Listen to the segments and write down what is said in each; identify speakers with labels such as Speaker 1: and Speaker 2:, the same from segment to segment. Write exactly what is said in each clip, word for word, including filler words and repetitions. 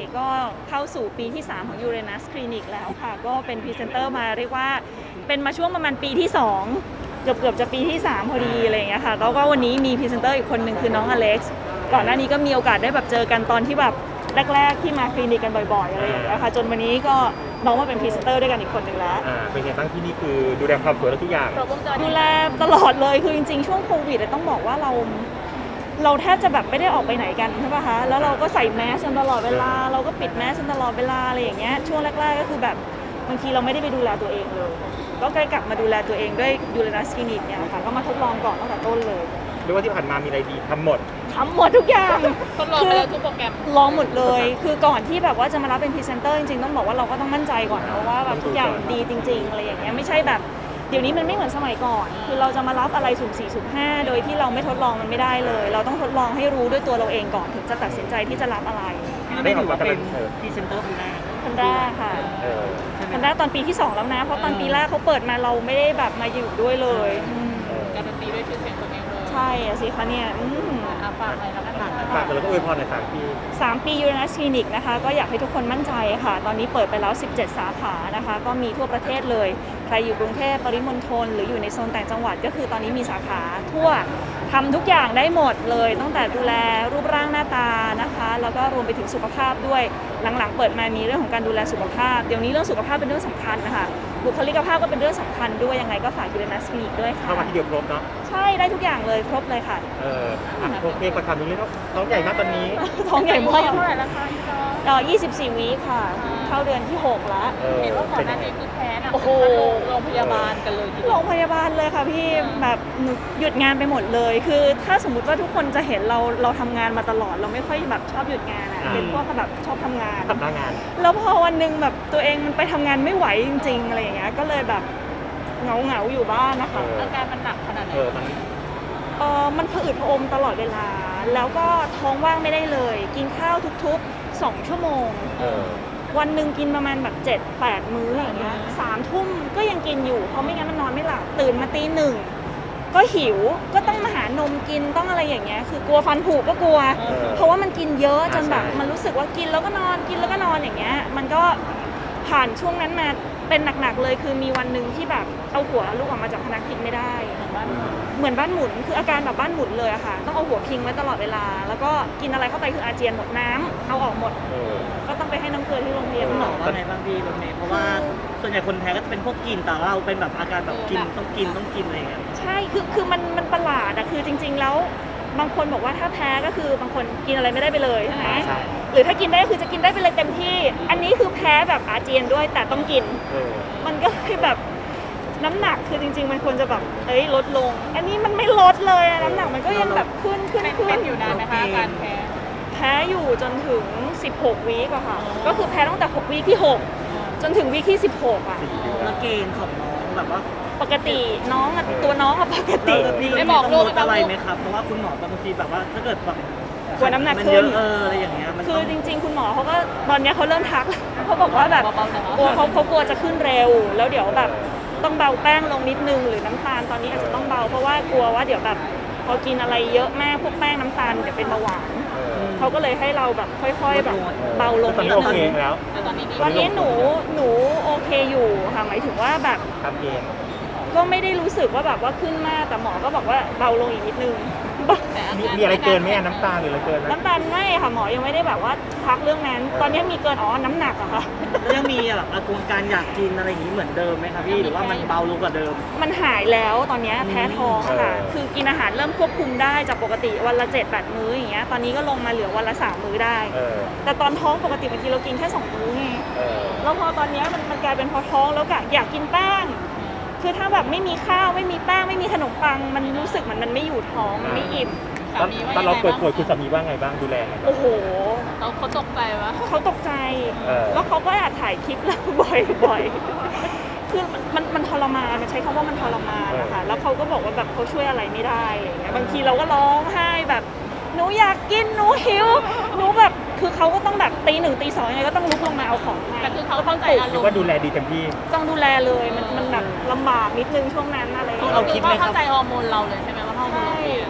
Speaker 1: ก็เข้าสู่ปีที่สามของ Uranus Clinic แล้วค่ะก็เป็นพรีเซนเตอร์มาเรียกว่าเป็นมาช่วงประมาณปีที่สองเกือบเกือบจะปีที่สามพอดีอะไรอย่างเงี้ยค่ะแล้วก็วันนี้มีพรีเซนเตอร์อีกคนหนึ่งคือน้องอเล็กซ์ก่อนหน้านี้ก็มีโอกาสได้แบบเจอกันตอนที่แบบแรกๆที่มาคลินิกกันบ่อยๆอะไรอย่างเงี้ยค่ะจนวันนี้ก็น้องมาเป็นพรีเซนเตอร์ด้วยกันอีกคนหนึ่งแล้ว
Speaker 2: อ่าเป็นไงบ้างที่นี่คือดูแลความสวยและทุกอย่าง
Speaker 1: ดูแลตลอดเลยคือจริงๆช่วงโควิดต้องบอกว่าเราเราแทบจะแบบไม่ได้ออกไปไหนกันใช่ป่ะคะแล้วเราก็ใส่แมสกันตลอดเวลาเราก็ปิดแมสกันตลอดเวลาอะไรอย่างเงี้ยช่วงแรกๆก็คือแบบบางทีเราไม่ได้ไปดูแลตัวเองเลยก็ใกล้กลับมาดูแลตัวเองด้วยยูเรนัสคลินิกเนี่ยค่ะก็มาทดลองก่อนตั้งแต่ต้นเลย
Speaker 2: เรียกว่าที่ผ่านมามีอะไรดีทำหมด
Speaker 1: ทำหมดทุกอย่าง
Speaker 3: ทดลองไปแล้วทุกโปรแกรม
Speaker 1: ลองหมดเลยคือก่อนที่แบบว่าจะมารับเป็นพรีเซนเตอร์จริงๆต้องบอกว่าเราก็ต้องมั่นใจก่อนนะว่าแบบทุกอย่างดีจริงๆอะไรอย่างเงี้ยไม่ใช่แบบเดี๋ยวนี้มันไม่เหมือนสมัยก่อนคือเราจะมารับอะไรสุ่มสี่สุ่มห้าโดยที่เราไม่ทดลองมันไม่ได้เลยเราต้องทดลองให้รู้ด้วยตัวเราเองก่อนถึงจะตัดสินใจที่จะรับอะไร
Speaker 2: ได้ออกมาเป็น
Speaker 4: พรีเซนเตอร์คนแรก
Speaker 1: คนแรกค่ะคนแรกตอนปีที่สองแล้วนะเพราะตอนปีแรกเขาเปิดมาเราไม่ได้แบบมาอยู่ด้วยเลย
Speaker 3: การันตีด้วยชื่อเสียงตัวเองเลย
Speaker 1: ใช่สิคะเนี่ย
Speaker 3: ฝากอะไรแล้วกัน
Speaker 2: ฝากแล้วก็อวยพรในสามปี
Speaker 1: สามปียูเรนัสคลินิกนะคะก็อยากให้ทุกคนมั่นใจค่ะตอนนี้เปิดไปแล้วสิบเจ็ดสาขานะคะก็มีทั่วประเทศเลยใครอยู่กรุงเทพปริมณฑลหรืออยู่ในโซนต่างจังหวัดก็คือตอนนี้มีสาขาทั่วทำทุกอย่างได้หมดเลยตั้งแต่ดูแลรูปร่างหน้าตานะคะแล้วก็รวมไปถึงสุขภาพด้วยหลังๆเปิดมามีเรื่องของการดูแลสุขภาพเดี๋ยวนี้เรื่องสุขภาพเป็นเรื่องสำคัญนะคะบุคลิกภาพก็เป็นเรื่องสำคัญด้วยยังไงก็ฝากยูเรนัสคลินิกด้วยค่ะ
Speaker 2: เข้ามาที่เดียวครบเนาะ
Speaker 1: ใช่ได้ทุกอย่างเลยครบเลยค่ะ
Speaker 2: เออโอเคขอถามนิดนึงว่าท้องใหญ่มากตอนนี้
Speaker 1: ท้องใหญ่มาก
Speaker 3: เท่าไหร่ราคาที่น้อง
Speaker 1: เอ่อยี่สิบสี่วีคค่ะเข้าเดือนที่หกแล้ว
Speaker 3: เห็นว่าก่อนหน้านี้คือแพ้นะโอ้โหโรงพยาบาลกันเลย
Speaker 1: โรงพยาบาลเลยค่ะพี่แบบหยุดงานไปหมดเลยคือถ้าสมมติว่าทุกคนจะเห็นเราเราทำงานมาตลอดเราไม่ค่อยแบบชอบหยุดงานอ่ะเป็นพวกแบบชอบทำงาน
Speaker 2: ทำหน้างาน
Speaker 1: แล้วพอวันนึงแบบตัวเองมันไปทำงานไม่ไหวจริงๆอะไรอย่างเงี้ยก็เลยแบบเหงาเหงาอยู่บ้านนะคะ
Speaker 3: อาการมันหนักขนาดไหน
Speaker 2: เออมัน
Speaker 1: เออมันผะอืดผะอมตลอดเวลาแล้วก็ท้องว่างไม่ได้เลยกินข้าวทุกๆสองชั่วโมงวันหนึ่งกินประมาณแบบเจ็ดแปดมื้ออย่างเงี้ยสามทุ่มก็ยังกินอยู่เพราะไม่งั้นมันนอนไม่หลับตื่นมาตีหนึ่งก็หิวก็ต้องมาหานมกินต้องอะไรอย่างเงี้ยคือกลัวฟันผุก็กลัวเพราะว่ามันกินเยอะจนแบบมันรู้สึกว่ากินแล้วก็นอนกินแล้วก็นอนอย่างเงี้ยมันก็ผ่านช่วงนั้นมาเป็นหนักๆเลยคือมีวันหนึ่งที่แบบเอาหัวลูกออกมาจากพนักพิงไม่ได้เหมือนบ้านหมุนคืออาการแบบบ้านหมุนเลยอะค่ะต้องเอาหัวพิงไว้ตลอดเวลาแล้วก็กินอะไรเข้าไปคืออาเจียนหมดน้ำเอาออกหมดก็ต้องไปให้น้ำเกลือที่โรงพยาบาล
Speaker 4: หมอว่าไงบ้างพี่รถเมย์เพราะว่าส่วนใหญ่คนแพ้ก็จะเป็นพวกกินแต่เราเป็นแบบอาการแบบกินต้องกินต้องกินอะไรอย่างเงี้ย
Speaker 1: ใช่คือคือมันมันประหลาดอะคือจริงๆแล้วบางคนบอกว่าถ้าแพ้ก็คือบางคนกินอะไรไม่ได้ไปเลยใช่ไหมหรือถ้ากินได้ก็คือจะกินได้ไปเลยเต็มที่อันนี้คือแพ้แบบอาเจียนด้วยแต่ต้องกินมันก็เลยแบบน้ำหนักคือจริงๆมันควรจะแบบเอ้ยลดลงอันนี้มันไม่ลดเลยน้ำหนักมันก็ยังแบบขึ้นขึ้นขึ้น
Speaker 3: อยู่นานไหมคะการแพ้
Speaker 1: แพ้อยู่จนถึงสิบหกวีคอะค่ะก็คือแพ้ตั้งแต่หกวีคที่หกจนถึงวีคที่สิบหกอะ
Speaker 4: แล้วเกณฑ์ของน้องแบบว่า
Speaker 1: ปกติน้องอะตัวน้องอะปกติ
Speaker 4: ได้บอกลูกอะไรไหมครับเพราะว่าคุณหมอบางทีแบบว่าถ้าเกิดแบบ
Speaker 1: กลัวน้ำหนักขึ้น
Speaker 4: เอออะไรอย่างเงี้ย
Speaker 1: คือจริงๆคุณหมอเขาก็ตอนนี้เขาเริ่มทักเขาบอกว่าแบบกลัวเขาเขากลัวจะขึ้นเร็วแล้วเดี๋ยวแบบต้องเบาแป้งลงนิดนึงหรือน้ำตาลตอนนี้อาจจะต้องเบาเพราะว่ากลัวว่าเดี๋ยวแบบพอกินอะไรเยอะมากพวกแป้งน้ำตาลเดี๋ยวเป็นเบาหวานเขาก็เลยให้เราแบบค่อยๆแบบเบาลงนิดนึง
Speaker 2: แล้ว
Speaker 1: ตอนนี้หนูหนูโอเคอยู่ค่ะหมายถึงว่าแบบ
Speaker 2: ทำเอง
Speaker 1: ก็ไม่ได้รู้สึกว่าแบบว่าขึ้นมากแต่หมอก็บอกว่าเบาลงอีกนิดนึง
Speaker 2: มีอะไรเกินไหมน้ำตาลหรืออะไรเกิน
Speaker 1: น้ำตาลไม่ค่ะหมอยังไม่ได้แบบว่าทักเรื่องนั้นตอนนี้มีเกินอ๋อน้ำหนักอะค่ะ
Speaker 4: ยังมีแบบอาการอยากกินอะไรอย่างนี้เหมือนเดิมไหมคะพี่หรือว่ามันเบาลงกว่าเดิม
Speaker 1: มันหายแล้วตอนนี้แพ้ท้องค่ะคือกินอาหารเริ่มควบคุมได้จากปกติวันละเจ็ดแปดมื้ออย่างเงี้ยตอนนี้ก็ลงมาเหลือวันละสามมื้อได้แต่ตอนท้องปกติบางทีเรากินแค่สองมื้อไงแล้วพอตอนนี้มันมันกลายเป็นพอท้องแล้วกะอยากกินแป้งคือถ้าแบบไม่มีข้าวไม่มีแป้งไม่มีขนมปังมันรู้สึกเหมือนมันไม่อยู่ท้องมันไม่อิ่ม
Speaker 2: ตอนเราป่วยๆคุณสามีว่าไงบ้างดูแลไง
Speaker 1: โอ้โห
Speaker 3: เขาเขาตกใจวะ
Speaker 1: เขาตกใจแล้วเขาก็แอบถ่ายคลิปเราบ่อยๆคือมันมันทรมานมันใช้คำว่ามันทรมานนะคะแล้วเขาก็บอกว่าแบบเขาช่วยอะไรไม่ได้อย่างเงี้ยบางทีเราก็ร้องไห้แบบหนูอยากกินหนูหิวหนูแบบคือเขาก็ต้องแบบตีหนึ่งตีสองยังไงก็ต้องลุกลงมาเอาของให้
Speaker 3: แต่คือเขาต้องใจอารมณ์
Speaker 2: ว่าดูแลดีเต็มที่
Speaker 1: ต้องดูแลเลยมันมันแบบลำบากนิดนึงช่วงนั้นอะไร
Speaker 3: เขาคิดไหมครับเข้าใจฮอร์โมนเราเลยใช่ไหมว่าฮอร์โมนเรา
Speaker 1: ใช่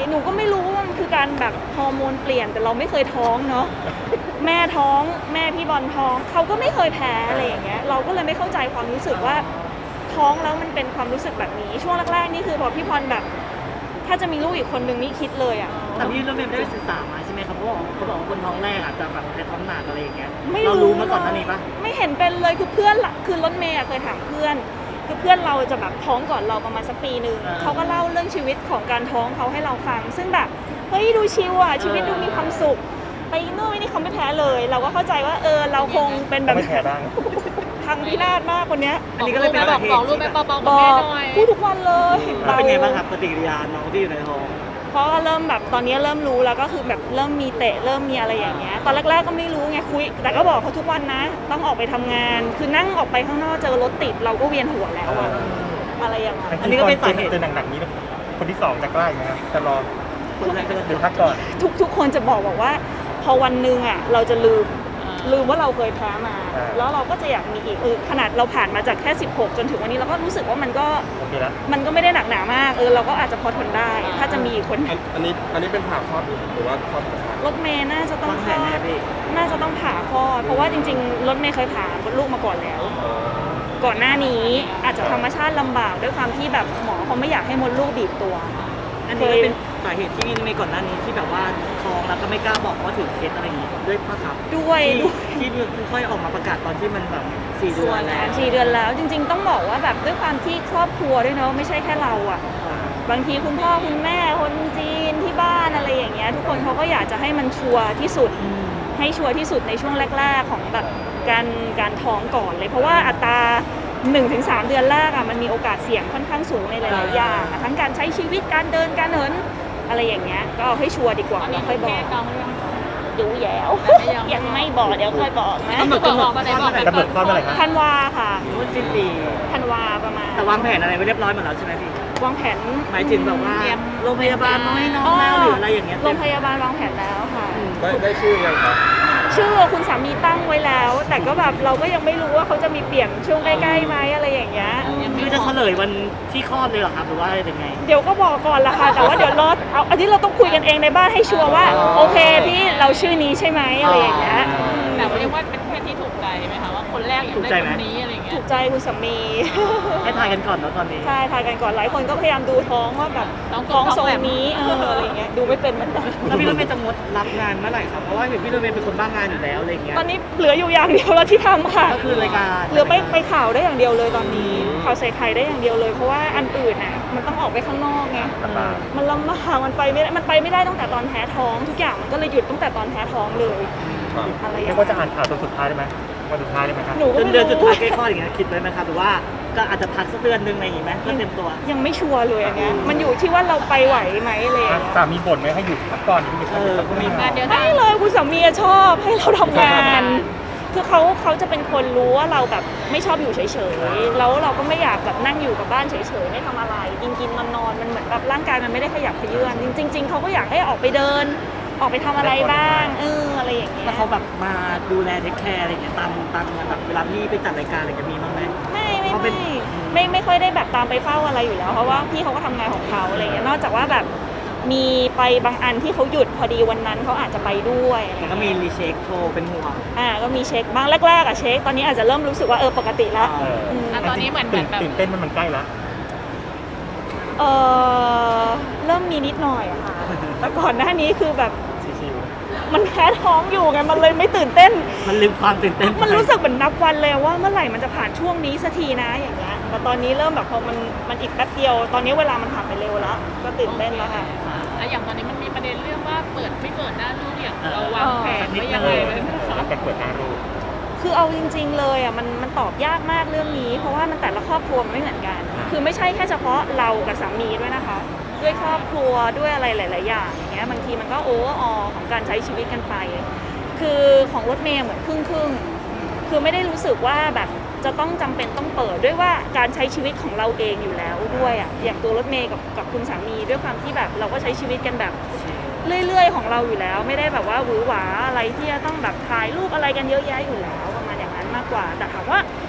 Speaker 1: หนูก็ไม่รู้ว่ามันคือการแบบฮอร์โมนเปลี่ยนแต่เราไม่เคยท้องเนาะ แม่ท้องแม่พี่บอลท้องเขาก็ไม่เคยแพ้อะไรอย่างเงี้ยเราก็เลยไม่เข้าใจความรู้สึกว่าท้องแล้วมันเป็นความรู้สึกแบบนี้ช่วงแรกๆนี่คือพอพี่พรแบบถ้าจะมีลูกอีกคนนึงนี่คิดเลยอ่ะ
Speaker 4: แต่พี่รถเมย์ได้ศึกษามาใช่ไหมครับเพราะว่าเขาบอกว่าคนท้องแรกอาจจะแบบแพ้ท้องหนักอะไรอย่างเงี้ย
Speaker 1: ไม่
Speaker 4: เรารู้มาก่อนหน้านี้ปะ
Speaker 1: ไม่เห็นเป็นเลยคือเพื่อนละคือรถเมย์อะเคยถามเพื่อนคือเพื่อนเราจะแบบท้องก่อนเราประมาณสักปีหนึ่งเขาก็เล่าเรื่องชีวิตของการท้องเขาให้เราฟัง ซึ่งแบบเฮ้ยดูชิวอ่ะชีวิตดูมีความสุขไปนู่นไปนี่เขาไม่แพ้เลย เราก็เข้าใจว่าเออเราคงเป็นแบบ
Speaker 2: ไม่แพ้บ้าง
Speaker 1: ทางพินาศมากคนเนี้ย
Speaker 4: อันนี้ก็เลยเป็น
Speaker 3: บ
Speaker 4: สา
Speaker 3: อก
Speaker 4: เห
Speaker 3: บอก
Speaker 4: ตุ
Speaker 3: ลูกแม่
Speaker 4: ที่
Speaker 3: เบาๆ
Speaker 1: บ
Speaker 3: กับ
Speaker 1: อ
Speaker 3: แม่
Speaker 1: ก
Speaker 3: หน่อย
Speaker 1: พูดทุกวันเลย
Speaker 4: แล้วเป็นไงบ้างครับปฏิกิริยาน้องที่อยู่ในท้อง
Speaker 1: เพราะว่าเริ่มแบบตอนนี้เริ่มรู้แล้วก็คือแบบเริ่มมีเตะเริ่มมีอะไรอย่างเงี้ยตอนแรกๆก็ไม่รู้ไงคุยแต่ก็บอกเขาทุกวันนะ ต้องออกไปทำงาน คือนั่งออกไปข้างนอกเจอรถติดเราก็เวียนหัวแล้วอะอะไรอย่างเงี้ย
Speaker 4: อันนี้ก็เป็นสาเหตุ
Speaker 2: เจอหนักๆนี้คนที่สองจะกล้าไหมครับจะรอ
Speaker 4: คนแรกก็จะ
Speaker 2: เดี๋ยวพักก่อน
Speaker 1: ทุกทุกคนจะบอกบอกว่า พอวันหนึ่งอ่ะเราจะลืมลืมว่าเราเคยแพ้มา
Speaker 2: อ่า
Speaker 1: แล้วเราก็จะอยากมีอีกเออขนาดเราผ่านมาจากแค่สิบหกจนถึงวันนี้เราก็รู้สึกว่ามันก็
Speaker 2: โอเคแล้ว
Speaker 1: มันก็ไม่ได้หนักหนามากเออเราก็อาจจะพอทนได้ ถ้าจะมีอีกคน
Speaker 5: อันอันนี้อันนี้เป็นผ่าคลอดหรือว่าคลอดธรรมชาติ
Speaker 1: รถเมย์น่าจะต้อง
Speaker 4: วาง
Speaker 1: ค
Speaker 4: แผ
Speaker 1: ล
Speaker 4: น
Speaker 1: อ
Speaker 4: แน่
Speaker 1: ด
Speaker 4: พี่
Speaker 1: น่าจะต้องผ่าคลอดเพราะว่าจริงๆรถเมย์เคยผ่ามดลูกมาก่อนแล้ว ก่อนหน้านี้อาจจะธรรมชาติลำบากด้วยความที่แบบหมอเขาไม่อยากให้มดลูกบีบตัว
Speaker 4: อันนี้ก็เป็นสาเหตุที่ในก่อนหน้านี้ที่แบบว่าท้องแล้วก็ไม่กล้าบอกว่าถือเคสอะไรอย่างงี้ด้วยปะครับ
Speaker 1: ด้วย
Speaker 4: ที่
Speaker 1: ด้วย
Speaker 4: ที่ค่อยออกมาประกาศตอนที่มันแบบสี่เดือนแล้ว
Speaker 1: สี่เดือนแล้วจริง ๆ ต้องบอกว่าแบบด้วยความที่ครอบครัวด้วยเนาะไม่ใช่แค่เราอ่ะ บางทีคุณพ่อคุณแม่คนจีนที่บ้านอะไรอย่างเงี้ยทุกคนเขาก็อยากจะให้มันชัวร์ที่สุด ให้ชัวร์ที่สุดในช่วงแรก ๆ ของแบบการการท้องก่อนเลย เพราะว่าอัตรา หนึ่งถึงสาม เดือนแรกอ่ะมันมีโอกาสเสี่ยงค่อนข้างสูงในหลายๆอย่างอะทั้งการใช้ชีวิตการเดินการเหินอะไรอย่างเงี้ยก็เอาให้ชัวร์ดีกว่า
Speaker 3: ตอน
Speaker 1: แล้
Speaker 3: นี้
Speaker 1: วค่อยบอ
Speaker 3: แม่
Speaker 1: ก
Speaker 3: กองหรือยัง
Speaker 1: ดูแย้ว
Speaker 3: ยัง
Speaker 1: ยังไม่บอกเดี๋ยวค่อยบอกนะ
Speaker 4: กำหนดกำหนด
Speaker 3: บอกมาไหนบอก
Speaker 2: กำหนดคลอดเมื่อไหร่ครับ
Speaker 1: ธันวาค่ะ
Speaker 4: รู้ว่าสิ้นปี
Speaker 1: ธันวาประมาณ
Speaker 4: แต่วางแผนอะไรไว้เรียบร้อยหมดแล้วใช่ไหมพี่
Speaker 1: วางแผน
Speaker 4: หมายถึงแบบว่าโรงพยาบาลน้อยน้องแล้วหรืออะไรอย่างเงี้ย
Speaker 1: โรงพยาบาลวางแผนแล้วค่ะ
Speaker 5: ได้ได้ชื่อยังครับ
Speaker 1: ชื่อคุณสามีตั้งไว้แล้ว แต่ก็แบบเราก็ยังไม่รู้ว่าเขาจะมีเปลี่ยนช่วงใกล้ๆไหมอะไรอย่างเงี้ย
Speaker 4: คือจะเฉลยวันที่คลอดเลยเหรอครับหรือว่ายังไง
Speaker 1: เดี๋ยวก็บอกก่อนละค่ะ แต่ว่าเดี๋ยวรอเอาอันนี้เราต้องคุยกันเองในบ้านให้ชัวร์ว่า
Speaker 4: อ๋อ
Speaker 1: โอเคพี่เราชื่อนี้ใช่ไหมอะไรอย่างเงี้ย
Speaker 3: แต่ว่าเรียกว่าเป็นเพศที่ถูกใจไหมคะว่าคนแรกอยากได้คนนี้อะไรเงี้
Speaker 1: ถู
Speaker 3: ย
Speaker 1: กใจคุณสามี
Speaker 4: ให้ทายกันก่อนเนาะตอนนี้
Speaker 1: ใช่ทายกันก่อนหลายคนก็พยายามดูท้องว่าแบบท้องทรงนี้เอออะไรอย่างเงี้ยดูไม่เป็นเหมือนกัน
Speaker 4: แล้วพี่รถเมย์จะงดรับงานเมื่อไหร่ครับเพราะว่าเห็นพี่รถเมย์เป็นคนบ้างานอยู่แล้วอะไรอย่างเงี้ย
Speaker 1: ตอนนี้เหลืออยู่อย่างเดียวแล้วที่ทำค่ะ
Speaker 4: ก็คือรายการ
Speaker 1: เหลือไปไปข่าวได้อย่างเดียวเลยตอนนี้ข่าวใส่ไข่ได้อย่างเดียวเลย เพราะว่าอันอื่นน่ะมันต้องออกไปข้างนอกไง
Speaker 2: ลำบาก
Speaker 1: มันลำบากมันไปไม่ได้มันไปไม่ได้ตั้งแต่ตอนแพ้ท้อง ทุกอย่างมันก็เลยหยุดตั้งแต่ตอนแพ้ท้องเลย
Speaker 5: ครับ
Speaker 1: อะไรอ
Speaker 2: เรี
Speaker 1: ย่าย ง
Speaker 2: กว่าจะอ่านข่าวตอนสุดท้ายได้ไหมวันสุดท้ายได้ไหมครับ
Speaker 1: หนูก็
Speaker 4: จน
Speaker 1: ไม่
Speaker 4: เดือนสุด
Speaker 1: รู้
Speaker 4: ท้ายใกล้คลอดอย่างเงี้ยคิดไว้ไหมครับหรือว่าก็อาจจะพักสักเดือนนึงอะไรอย่างงี้ไหมเพื่อเตรียมตัว
Speaker 1: ยังไม่ชัวร์เลยอันเนี้ยมันอยู่ที่ว่าเราไปไหวไหมอะไรอย่างเลย
Speaker 2: สามีบ่นไหมให้หยุดพักก่อนหยุดพัก
Speaker 4: เออ
Speaker 2: ก่อน
Speaker 3: มีงานเดียว
Speaker 1: ไม่เลยคุณสามีอะชอบให้เราทำงาน คือเขาเขาจะเป็นคนรู้ว่าเราแบบไม่ชอบอยู่เฉยๆแล้วเราก็ไม่อยากแบบนั่งอยู่กับบ้านเฉยๆไม่ทำอะไรกินกินนอนนอนๆมันเหมือนแบบร่างกายมันไม่ได้ขยับเขยื้อนจริง ๆเขาก็อยากให้ออกไปเดิน ออกไปทำอะไรบ้างเอออะไรอย่างเงี้ย
Speaker 4: แล้วเขาแบบมาดูแลเทคแคร์อะไรอย่างเงี้ยตามตามงานแบบเวลาพี่ไปจัดรายการอะไรกันมีบ้างไหม
Speaker 1: ไม่ไม่
Speaker 4: เขาเป็น
Speaker 1: ไม่ไม่ไม่ค่อยได้แบบตามไปเฝ้าอะไรอยู่แล้วเพราะว่าพี่เขาก็ทำงานของเขาอะไรเงี้ยนอกจากว่าแบบมีไปบางอันที่เขาหยุดพอดีวันนั้นเขาอาจจะไปด้วยอะไร
Speaker 4: แต่ก็
Speaker 1: เงี้ย
Speaker 4: มีรีเช็คโทรเป็นห่วง
Speaker 1: อ่าก็มีเช็คบ้างแรกๆอะเช็คตอนนี้อาจจะเริ่มรู้สึกว่าเออปกติแล้ว
Speaker 2: เออ
Speaker 1: อืม
Speaker 3: อ่ะตอนนี้เหมือนเหมื
Speaker 2: ตื่
Speaker 3: อน นแบบ
Speaker 2: ตื่นเต้นมันมันใกล้แล้ว
Speaker 1: เออเริ่มมีนิดหน่อยอะค่ะแต่ก่อนหน้านี้คือแบบ
Speaker 2: ชิว
Speaker 1: มันแพ้ท้องอยู่ไงมันเลยไม่ตื่นเต้น
Speaker 4: มันลืมความตื่นเต้นไป
Speaker 1: มันรู้สึกเหมือนนับวันเลยว่าเมื่อไหร่มันจะผ่านช่วงนี้สักทีนะอย่างเงี้ยแต่ตอนนี้เริ่มแบบพอมันมันอีกแป๊บเดียว ตอนนี้เวลามันผ่านไปเร็วแล้ว ก็ตื่นเต้นแล้วค่ะ
Speaker 3: แล้วอย่างตอนนี้มันมีประเด็นเรื่องว่าเปิดไม่เปิดหน้าลูกอย่างเราวางแผนไว้ยังไงไว้ไหม
Speaker 2: ๆ
Speaker 3: คะ
Speaker 2: แล้วแต่เปิดหน้ารูป
Speaker 1: คือเอาจริง ๆ เลยอ่ะมันมันตอบยากมากเรื่องนี้ เพราะว่ามันแต่ละครอบครัวมันไม่เหมือนกัน คือไม่ใช่แค่เฉพาะเรากับสามีด้วยนะคะ ด้วยครอบครัวด้วยอะไรหลาย ๆ อย่างอย่างเงี้ยบางทีมันก็โอเวอร์ออของการใช้ชีวิตกันไป คือของรถเมย์เหมือนครึ่งครึ่งๆคือไม่ได้รู้สึกว่าแบบจะต้องจำเป็นต้องเปิดด้วยว่าการใช้ชีวิตของเราเองอยู่แล้วด้วยอ่ะอย่างตัวรถเมย์กับกับคุณสามีด้วยความที่แบบเราก็ใช้ชีวิตกันแบบเรื่อย ๆ ของเราอยู่แล้ว ไม่ได้แบบว่าหวือหวาอะไรที่จะต้องแบบถ่ายรูปอะไรกันเยอะแยะอยู่แล้วประมาณอย่างนั้นมากกว่า แต่ถามว่า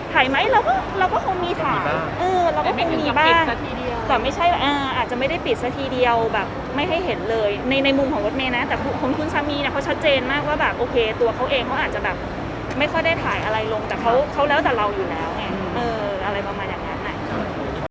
Speaker 1: ถ่ายไหมเราก็เราก็คงมีถ่ายเออเราก็
Speaker 3: แต่
Speaker 1: ค
Speaker 3: ไม่
Speaker 1: ง
Speaker 3: ถึง
Speaker 1: มี
Speaker 3: กับ
Speaker 1: บ้า
Speaker 3: ปิด
Speaker 1: ง
Speaker 3: ซะทีเดียว
Speaker 1: แต่ไม่ใช่อ่าอาจจะไม่ได้ปิดซะทีเดียวแบบไม่ให้เห็นเลยในในมุมของรถเมย์นะแต่ของคุณสามีเนี่ยเขาชัดเจนมากว่าแบบโอเค ตัวเขาเองเขาอาจจะแบบไม่ค่อยได้ถ่ายอะไรลงแต่เขาเขาแล้วแต่เราอยู่แล้วไงเออ